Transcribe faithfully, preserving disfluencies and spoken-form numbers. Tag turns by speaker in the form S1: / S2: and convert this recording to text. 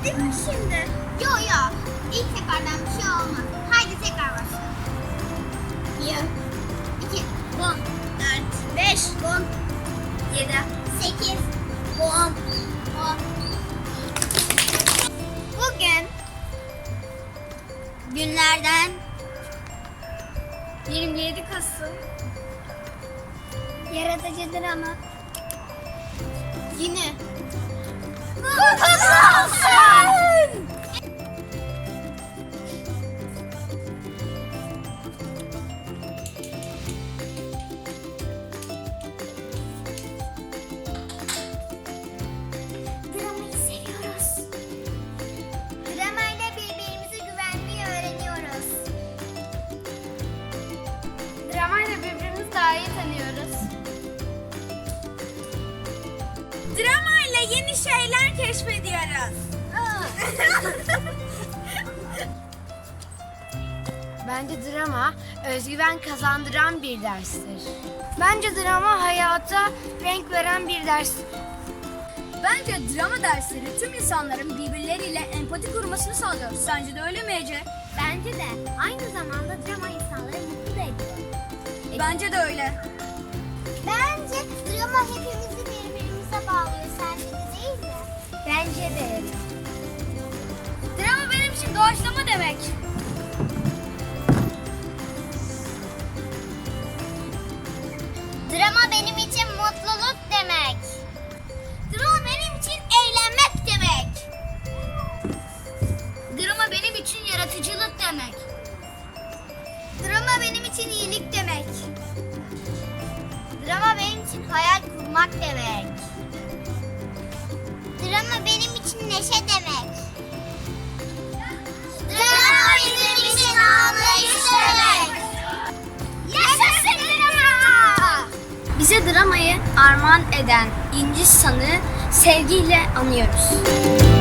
S1: Değil mi şimdi?
S2: Yo yo. İlk seferden bir şey olmaz. Haydi tekrar başla.
S1: Bir,
S2: İki,
S1: on, dört, beş, on, yedi,
S2: sekiz,
S1: on.
S2: on.
S1: Bugün günlerden yirmi yedi Kasım. Yaratıcıdır ama.
S2: Yine.
S1: Kutlu olsun!
S2: Dramayı seviyoruz. Dramayla birbirimizi güvenmeyi öğreniyoruz.
S1: Dramayla birbirimizi daha iyi tanıyoruz. Dramayla yeni şeyler keşfediyoruz.
S3: Bence drama özgüven kazandıran bir derstir. Bence drama hayata renk veren bir derstir.
S4: Bence drama dersleri tüm insanların birbirleriyle empati kurmasını sağlıyor. Sence de öyle mi Ece?
S2: Bence de. Aynı zamanda drama insanları mutlu da ediyor.
S4: Bence de öyle.
S2: Bence drama hepimizi birbirimize bağlıyor. Sence de değil mi?
S1: Bence de.
S4: Drama benim için doğaçlama demek.
S2: Drama benim için mutluluk demek. Drama benim için eğlenmek demek.
S4: Drama benim için yaratıcılık demek.
S2: Drama benim için iyilik demek. Drama benim için hayal kurmak demek. Drama benim için neşe demek. Drama bizim için anlayış demek. Yaşasın drama!
S4: Bize dramayı armağan eden İnci San'ı sevgiyle anıyoruz.